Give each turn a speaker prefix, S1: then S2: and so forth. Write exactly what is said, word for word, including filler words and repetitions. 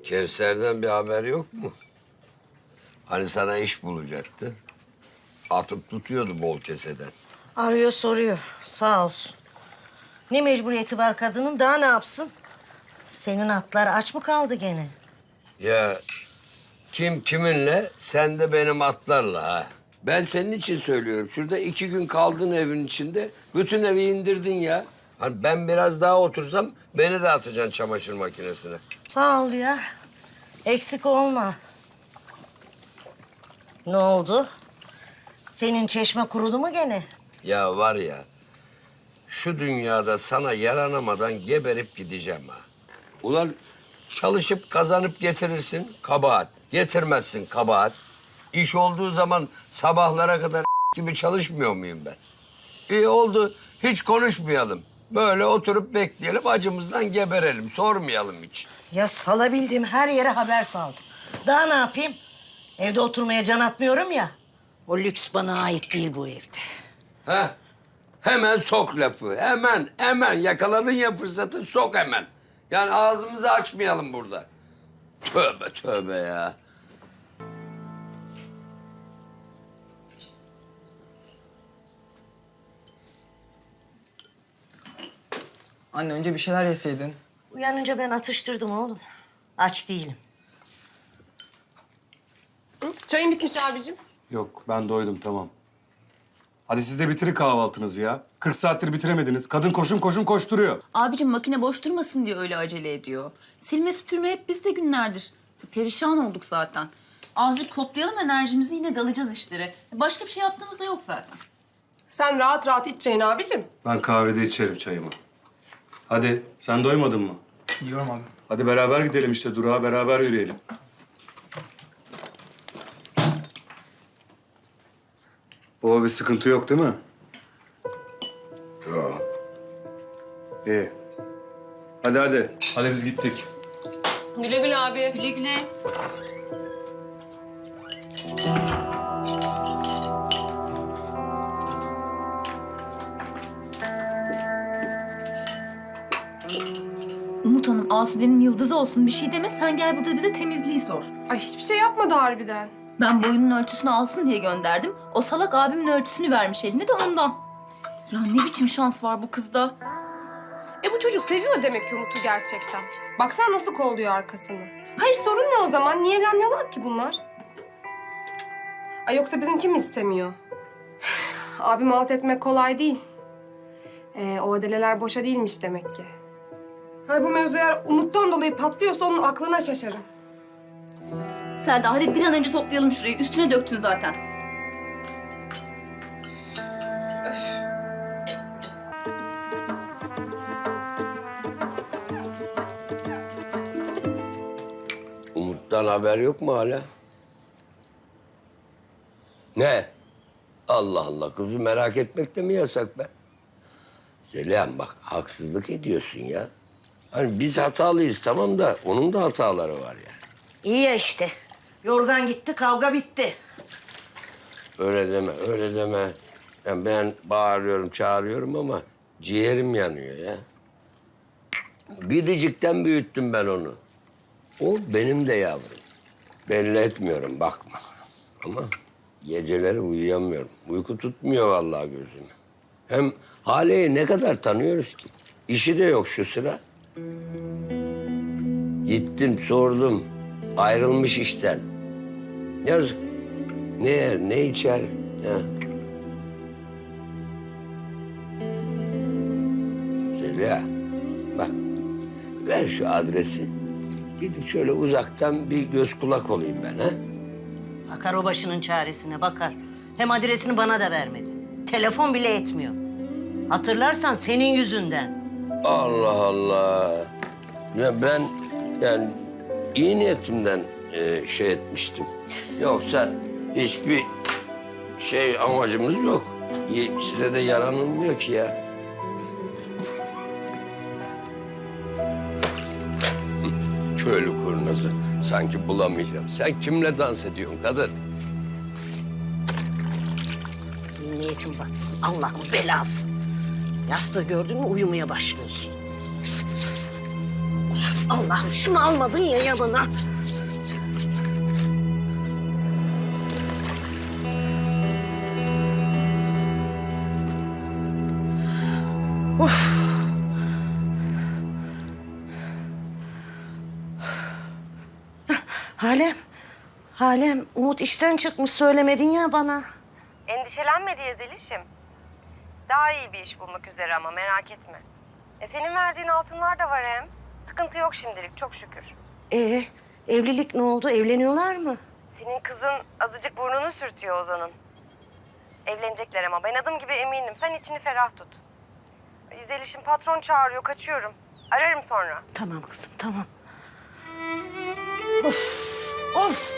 S1: Kevser'den bir haber yok mu? Hani sana iş bulacaktı. Atıp tutuyordu bol keseden.
S2: Arıyor soruyor. Sağ olsun. Ne mecburiyeti var kadının? Daha ne yapsın? Senin atlar aç mı kaldı gene?
S1: Ya kim kiminle, sen de benim atlarla ha. Ben senin için söylüyorum. Şurada iki gün kaldın evin içinde. Bütün evi indirdin ya. Hani ben biraz daha otursam beni de atacaksın çamaşır makinesine.
S2: Sağ ol ya. Eksik olma. Ne oldu? Senin çeşme kurudu mu gene?
S1: Ya var ya, şu dünyada sana yaranamadan geberip gideceğim ha. Ulan çalışıp kazanıp getirirsin, kabahat. Getirmezsin, kabahat. İş olduğu zaman sabahlara kadar gibi çalışmıyor muyum ben? İyi oldu, hiç konuşmayalım. Böyle oturup bekleyelim, acımızdan geberelim, sormayalım hiç.
S2: Ya salabildiğim her yere haber saldım. Daha ne yapayım? Evde oturmaya can atmıyorum ya. O lüks bana ait değil bu evde.
S1: Heh, hemen sok lafı, hemen, hemen. Yakaladın ya fırsatı, sok hemen. Yani ağzımızı açmayalım burada. Tövbe tövbe ya.
S3: Anne önce bir şeyler yeseydin.
S2: Uyanınca ben atıştırdım oğlum. Aç değilim.
S4: Hı? Çayın bitmiş abicim.
S5: Yok, ben doydum, tamam. Hadi siz de bitirin kahvaltınızı ya. kırk saattir bitiremediniz. Kadın koşun koşun koşturuyor.
S6: Abicim makine boş durmasın diye öyle acele ediyor. Silme süpürme hep bizde günlerdir. Perişan olduk zaten. Azıcık toplayalım enerjimizi, yine dalacağız işlere. Başka bir şey yaptığımız da yok zaten.
S4: Sen rahat rahat iç çayını abicim.
S5: Ben kahvede içerim çayımı. Hadi, sen doymadın mı?
S3: Yiyorum abi.
S5: Hadi beraber gidelim işte, durağa beraber yürüyelim. Baba bir sıkıntı yok değil mi?
S1: Yok.
S5: İyi. Hadi hadi. Hadi biz gittik.
S4: Güle güle abi.
S6: Güle güle. Umut Hanım, Asude'nin yıldızı olsun bir şey deme. Sen gel burada bize temizliği sor.
S4: Ay hiçbir şey yapmadı harbiden.
S6: Ben boyunun ölçüsünü alsın diye gönderdim. O salak abimin ölçüsünü vermiş eline de ondan. Ya ne biçim şans var bu kızda.
S4: E bu çocuk seviyor demek ki Umut'u gerçekten. Baksana nasıl kolluyor arkasını. Hayır sorun ne o zaman? Niye evlenmiyorlar ki bunlar? Ay yoksa bizimki mi istemiyor? Abim alt etmek kolay değil. Ee, o adeleler boşa değilmiş demek ki. Hay bu mevzu eğer Umut'tan dolayı patlıyorsa onun aklına şaşarım.
S6: Selda hadi bir an önce toplayalım şurayı. Üstüne döktün zaten.
S4: Öf.
S1: Umut'tan haber yok mu hala? Ne? Allah Allah, kızı merak etmek de mi yasak be? Zeliha bak, haksızlık ediyorsun ya. Hani biz hatalıyız tamam da onun da hataları var yani.
S2: İyi ya işte. Yorgan gitti, kavga bitti.
S1: Öyle deme, öyle deme. Yani ben bağırıyorum, çağırıyorum ama ciğerim yanıyor ya. Biricikten büyüttüm ben onu. O benim de yavrum. Belli etmiyorum, bakma. Ama geceleri uyuyamıyorum. Uyku tutmuyor vallahi gözümü. Hem Hale'yi ne kadar tanıyoruz ki? İşi de yok şu sıra. Gittim, sordum. Ayrılmış işten. Yazık. Ne yer, ne içer? Ya. Zeliha, bak. Ver şu adresi. Gidip şöyle uzaktan bir göz kulak olayım ben ha.
S2: Bakar o başının çaresine, bakar. Hem adresini bana da vermedi. Telefon bile etmiyor. Hatırlarsan senin yüzünden.
S1: Allah Allah. Ya ben yani iyi niyetimden e, şey etmiştim. Yoksa hiçbir şey amacımız yok. Y- Size de yaranılmıyor ki ya. Hı, köylü kurnazı. Sanki bulamayacağım. Sen kimle dans ediyorsun kadın?
S2: Niyetin batsın. Allah'ın belası. Yastığı gördün mü uyumaya başlıyorsun. Allah. Allah'ım şunu almadın ya yanına. Of. Halem, Halem, Umut işten çıkmış söylemedin ya bana.
S7: Endişelenme diye Zeliş'im. Daha iyi bir iş bulmak üzere ama merak etme. E senin verdiğin altınlar da var hem. Sıkıntı yok şimdilik çok şükür.
S2: Ee, evlilik ne oldu? Evleniyorlar mı?
S7: Senin kızın azıcık burnunu sürtüyor Ozan'ın. Evlenecekler ama ben adım gibi eminim. Sen içini ferah tut. Zeliş'im patron çağırıyor kaçıyorum. Ararım sonra.
S2: Tamam kızım, tamam. Of, of.